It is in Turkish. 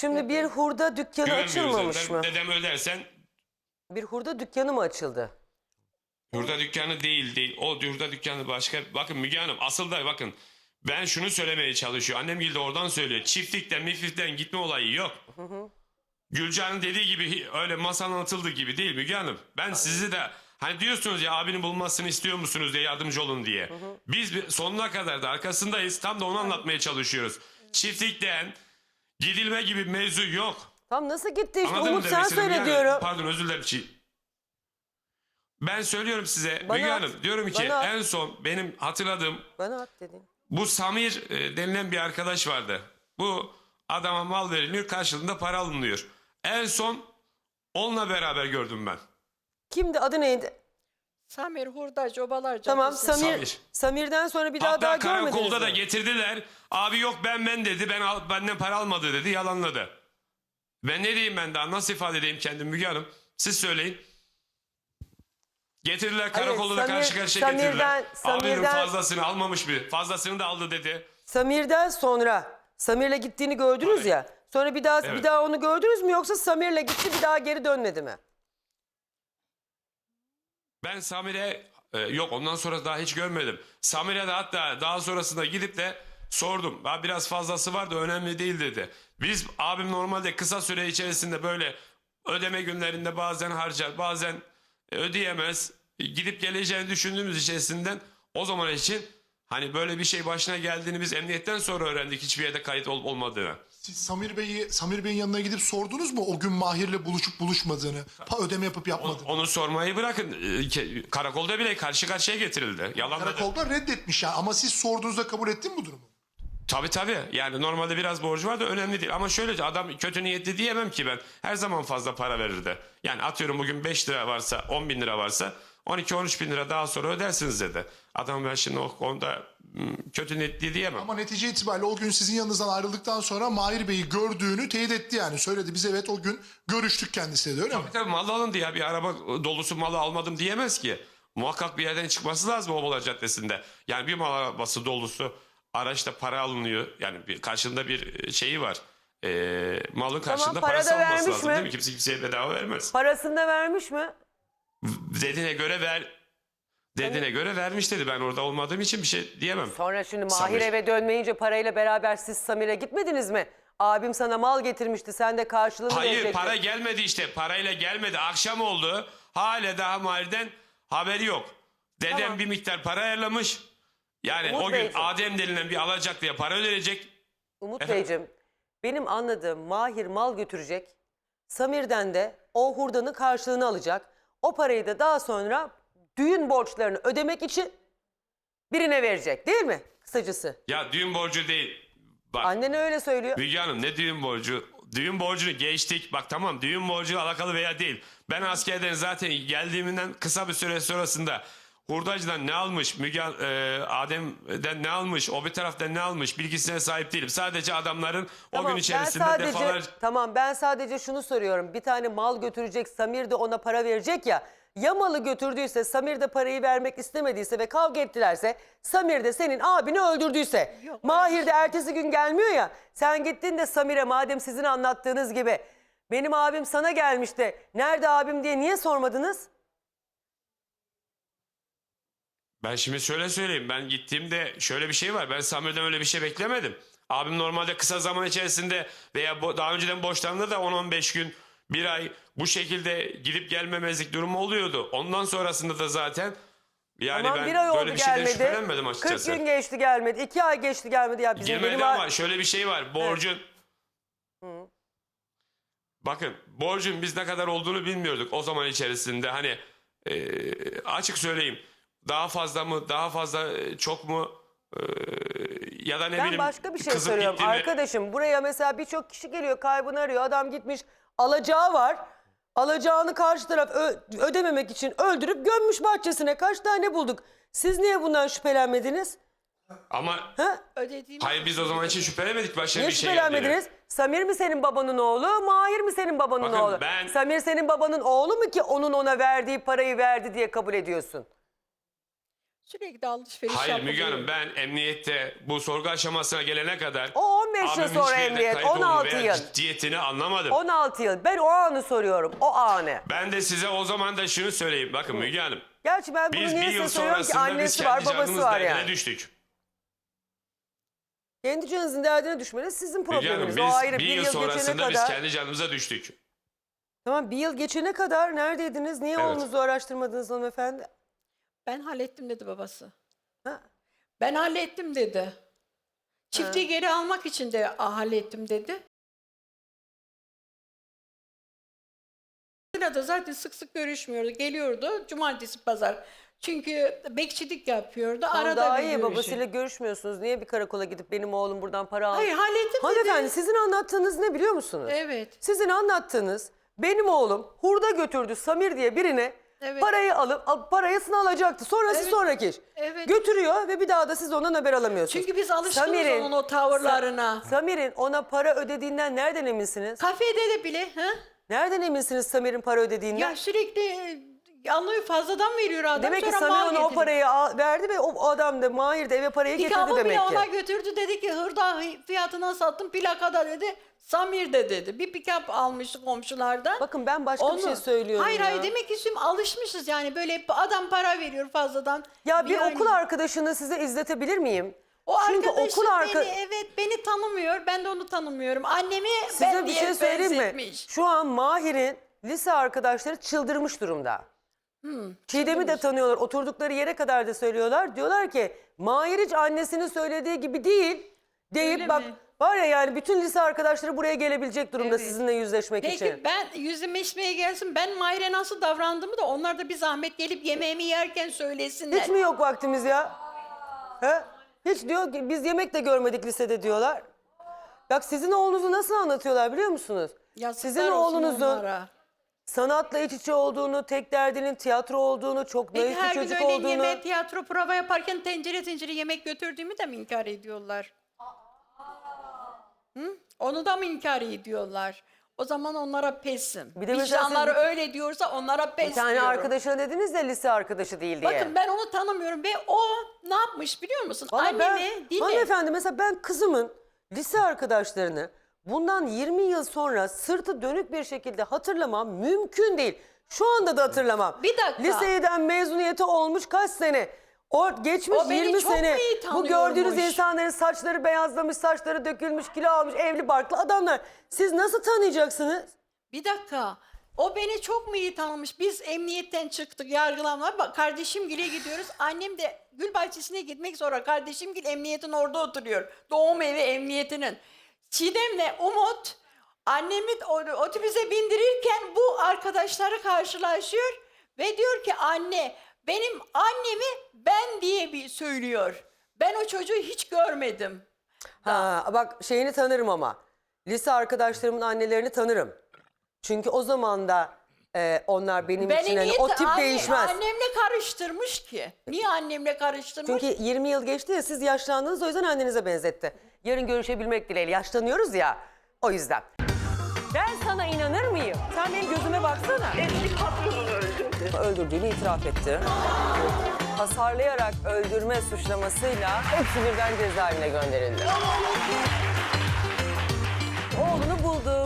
Şimdi bir hurda dükkanı Güvenmiyoruz açılmamış dediler. mı? Dedem ödersen Bir hurda dükkanı mı açıldı? hurda dükkanı değil. O hurda dükkanı başka. Bakın Müge Hanım asıl da bakın ben şunu söylemeye çalışıyor. Annem de oradan söylüyor. Çiftlikten gitme olayı yok. Gülcan'ın dediği gibi öyle masanın atıldığı gibi değil Müge Hanım. Ben sizi de hani diyorsunuz ya abinin bulmasını istiyor musunuz diye yardımcı olun diye. Biz sonuna kadar da arkasındayız. Tam da onu anlatmaya çalışıyoruz. Çiftlikten gidilme gibi mevzu yok. Tam nasıl gitti işte Anladın mı Umut sen demek istediğimi? söyle Yani, diyorum. pardon özür dilerim. Ben söylüyorum size Bana Müge at, Hanım diyorum ki bana at. en son benim hatırladığım Bana at dedin. bu Samir denilen bir arkadaş vardı. Bu adama mal veriliyor karşılığında para alınıyor. En son onunla beraber gördüm ben. Kimdi adı neydi? Samir Hurdacı Obalar Tamam Caddesi. Samir. Samir'den sonra bir daha Hatta görmediniz karakolda da mi? getirdiler. Abi yok ben dedi. Benden para almadı dedi. Yalanladı. Ben ne diyeyim ben daha nasıl ifade edeyim kendimi Müge Hanım? Siz söyleyin. Getirdiler karakolda da karşı karşıya getirdiler. Abinin fazlasını almamış mı? Fazlasını da aldı dedi. Samir'den sonra Samir'le gittiğini gördünüz Tabii. ya. Sonra bir Evet. daha onu gördünüz mü yoksa Samir'le gitti bir daha geri dönmedi mi? Ben Samir'e yok ondan sonra daha hiç görmedim. Samir'e de hatta daha sonrasında gidip de sordum. Ha, biraz fazlası var da önemli değil dedi. Biz abim normalde kısa süre içerisinde böyle ödeme günlerinde bazen harcar bazen ödeyemez. Gidip geleceğini düşündüğümüz içerisinden o zaman için hani böyle bir şey başına geldiğini biz emniyetten sonra öğrendik hiçbir yerde kayıt olmadığını. Siz Samir Bey'in yanına gidip sordunuz mu o gün Mahir'le buluşup buluşmadığını, ödeme yapıp yapmadığını? Onu sormayı bırakın. Karakolda bile karşı karşıya getirildi. Yalanladı. Karakolda reddetmiş yani ama siz sorduğunuzda kabul ettin mi bu durumu? Tabii. Yani normalde biraz borcu var da önemli değil. Ama şöyle adam kötü niyetli diyemem ki ben. Her zaman fazla para verirdi. Yani atıyorum bugün 5 lira varsa 10 bin lira varsa 12-13 bin lira daha sonra ödersiniz dedi. Adam ben şimdi o konuda kötü niyetli diyemem. Ama netice itibariyle o gün sizin yanınızdan ayrıldıktan sonra Mahir Bey'i gördüğünü teyit etti yani. Söyledi biz evet o gün görüştük kendisiyle öyle mi? Tabii mal alındı ya bir araba dolusu malı almadım diyemez ki. Muhakkak bir yerden çıkması lazım Obalar Caddesi'nde. Yani bir mal arabası dolusu araçta para alınıyor. Yani bir karşında bir şeyi var. Malın karşında para parası da olması vermiş lazım mi? değil mi? Kimse kimseye bedava vermez. Parasını da vermiş mi? Dediğine göre vermiş dedi. Ben orada olmadığım için bir şey diyemem. Sonra şimdi Mahir Samir. eve dönmeyince parayla beraber siz Samir'e gitmediniz mi? Abim sana mal getirmişti sen de karşılığını Hayır verecektin. para gelmedi işte. Parayla gelmedi. Akşam oldu. Hala daha Mahir'den haberi yok. Dedem Tamam. bir miktar para ayarlamış. Yani Umut o gün Beyciğim. Adem denilen bir alacaklıya para ödenecek. Umut Efendim? Beyciğim benim anladığım Mahir mal götürecek. Samir'den de o hurdanın karşılığını alacak. O parayı da daha sonra düğün borçlarını ödemek için birine verecek değil mi? Kısacası. Ya düğün borcu değil. Bak Annen öyle söylüyor. Müge Hanım ne düğün borcu? Düğün borcunu geçtik. Bak tamam düğün borcu alakalı veya değil. Ben askerden zaten geldiğimden kısa bir süre sonrasında hurdacıdan ne almış, Adem'den ne almış, o bir taraftan ne almış bilgisine sahip değilim. Sadece adamların o gün içerisinde defalarca... Tamam ben sadece şunu soruyorum. Bir tane mal götürecek Samir de ona para verecek ya. Ya malı götürdüyse Samir de parayı vermek istemediyse ve kavga ettilerse Samir de senin abini öldürdüyse. Yok, Mahir de ertesi gün gelmiyor ya. Sen gittin de Samir'e madem sizin anlattığınız gibi benim abim sana gelmiş de nerede abim diye niye sormadınız? Ben şimdi şöyle söyleyeyim. Ben gittiğimde şöyle bir şey var. Ben Samir'den öyle bir şey beklemedim. Abim normalde kısa zaman içerisinde veya daha önceden borçlandı da 10-15 gün, bir ay bu şekilde gidip gelmemezlik durumu oluyordu. Ondan sonrasında da zaten yani Tamam ben bir ay oldu böyle bir şeyden gelmedi. şüphelenmedim 40 açıkçası. gün geçti gelmedi. 2 ay geçti gelmedi. Ya bizim Girmedi benim ama şöyle bir şey var. Borcun... Hı. Bakın borcun biz ne kadar olduğunu bilmiyorduk o zaman içerisinde. Hani açık söyleyeyim. Daha fazla mı, daha fazla çok mu ya da ne Ben bileyim. başka bir şey kızıp soruyorum. gitti mi? Arkadaşım buraya mesela birçok kişi geliyor kaybını arıyor. Adam gitmiş alacağı var. Alacağını karşı taraf ödememek için öldürüp gömmüş bahçesine. Kaç tane bulduk? Siz niye bundan şüphelenmediniz? Ama Ha? Ödediğimiz hayır biz o zaman için şüphelemedik başka Niye bir şey geldiğini. şüphelenmediniz? Samir mi senin babanın oğlu? Mahir mi senin babanın Bakın oğlu? ben- Samir senin babanın oğlu mu ki onun ona verdiği parayı verdi diye kabul ediyorsun? Sürekli alışveriş Hayır yapılıyor. Müge Hanım, ben emniyette bu sorgu aşamasına gelene kadar O 15 yıl abimin sonra hiçbir yerde emniyet, kayıp olduğunu 16 veya yıl. ciddiyetini anlamadım. 16 yıl. Ben o anı soruyorum. O anı. Ben de size o zaman da şunu söyleyeyim. Bakın Müge Hanım, Gerçi ben bunu biz bir niye yıl size söylüyorum ki sonrasında biz annesi var, kendi babası canımız var derdine yani. düştük. Kendi canınızın derdine düşmeniz sizin Müge Hanım, probleminiz. biz O ayrı. bir Bir yıl yıl geçene sonrasında biz kadar. kendi canımıza düştük. Tamam, bir yıl geçene kadar neredeydiniz? Niye Evet. oğlunuzu araştırmadınız hanımefendi? Ben hallettim dedi babası. Ha? Ben hallettim dedi. Çiftliği geri almak için de hallettim dedi. Da zaten sık sık görüşmüyordu. Geliyordu cumartesi pazar. Çünkü bekçilik yapıyordu. Tamam, Arada daha bir iyi, görüşüyor. babasıyla görüşmüyorsunuz. Niye bir karakola gidip benim oğlum buradan para aldı? Hayır hallettim Hanımefendi, dedi. sizin anlattığınız ne biliyor musunuz? Evet. Sizin anlattığınız, benim oğlum hurda götürdü Samir diye birine, Evet. parayı alıp parasını alacaktı. Sonrası Evet. sonraki iş. Evet. Götürüyor ve bir daha da siz ondan haber alamıyorsunuz. Çünkü biz alışkınız Samir'in- onun o tavırlarına. Samir'in ona para ödediğinden nereden eminsiniz? Kafede de bile. Ha? Nereden eminsiniz Samir'in para ödediğinden? Ya sürekli alıyor, fazladan veriyor adam. Demek ki sonra Samir mal ona o getiriyor. parayı verdi ve o adam da Mahir de eve parayı getirdi Pikabı bile demek ki. ona götürdü, dedi ki hırda fiyatına sattım, plakada dedi. Samir de dedi. Bir pikap almıştı komşulardan. Bakın ben başka bir şey söylüyorum Hayır ya. hayır, demek ki şimdi alışmışız yani, böyle adam para veriyor fazladan. Ya bir Yani okul arkadaşını size izletebilir miyim? o Çünkü arkadaşım okul beni tanımıyor, ben de onu tanımıyorum. Annemi Size ben bir diye şey söyleyeyim mi? benzetmiş. Şu an Mahir'in lise arkadaşları çıldırmış durumda. Çiğdem'i de tanıyorlar. Oturdukları yere kadar da söylüyorlar. Diyorlar ki Mahir hiç annesinin söylediği gibi değil deyip Öyle bak mi? var ya, yani bütün lise arkadaşları buraya gelebilecek durumda Evet. sizinle yüzleşmek Peki için. ben yüzüme içmeye gelsin, ben Mahir'e nasıl davrandığımı da onlar da bir zahmet gelip yemeğimi yerken söylesinler. Hiç mi yok vaktimiz ya? He? Hiç diyor ki biz yemek de görmedik lisede diyorlar. Bak sizin oğlunuzu nasıl anlatıyorlar biliyor musunuz? Yazıklar Sizin olsun oğlunuzun onlara. sanatla iç içe olduğunu, tek derdinin tiyatro olduğunu, çok Peki naif bir her gün çocuk öyle olduğunu. yemeğe, tiyatro prova yaparken tencere tencere yemek götürdüğümü de mi inkar ediyorlar? Hı? Onu da mı inkar ediyorlar? O zaman onlara pesim. Bir de mesela Vicdanları siz- öyle diyorsa onlara pes Bir tane diyorum. arkadaşına dediniz de lise arkadaşı değil diye. Bakın ben onu tanımıyorum ve o ne yapmış biliyor musun? Vallahi ben, Annemi dinle. hanımefendi mesela ben kızımın lise arkadaşlarını bundan 20 yıl sonra sırtı dönük bir şekilde hatırlamam mümkün değil. Şu anda da hatırlamam. Bir dakika. Liseden mezuniyeti olmuş kaç sene? O geçmiş O beni 20 çok sene. mu iyi Bu gördüğünüz tanıyormuş? insanların saçları beyazlamış, saçları dökülmüş, kilo almış, evli barklı adamlar. Siz nasıl tanıyacaksınız? Bir dakika. O beni çok mu iyi tanımış? Biz emniyetten çıktık yargılanma. Bak kardeşimgile gidiyoruz. Annem de gül bahçesine gitmek sonra kardeşimgil emniyetin orada oturuyor. Doğum evi emniyetinin. Çiğdem'le Umut annemi otobüse bindirirken bu arkadaşları karşılaşıyor ve diyor ki anne benim annemi ben diye bir söylüyor. Ben o çocuğu hiç görmedim. Ha, bak şeyini tanırım ama. Lise arkadaşlarımın annelerini tanırım. Çünkü o zaman da onlar benim için hani o tip değişmez. Annemle karıştırmış ki. Niye annemle karıştırmış? Çünkü 20 yıl geçti ya, siz yaşlandınız, o yüzden annenize benzetti. Yarın görüşebilmek dileğiyle, yaşlanıyoruz ya o yüzden. Ben sana inanır mıyım? Sen benim gözüme baksana. Eski patronunu öldürdü. Öldürdüğünü itiraf etti. Hasarlayarak öldürme suçlamasıyla hepsi birden cezaevine gönderildi. Oğlunu buldu.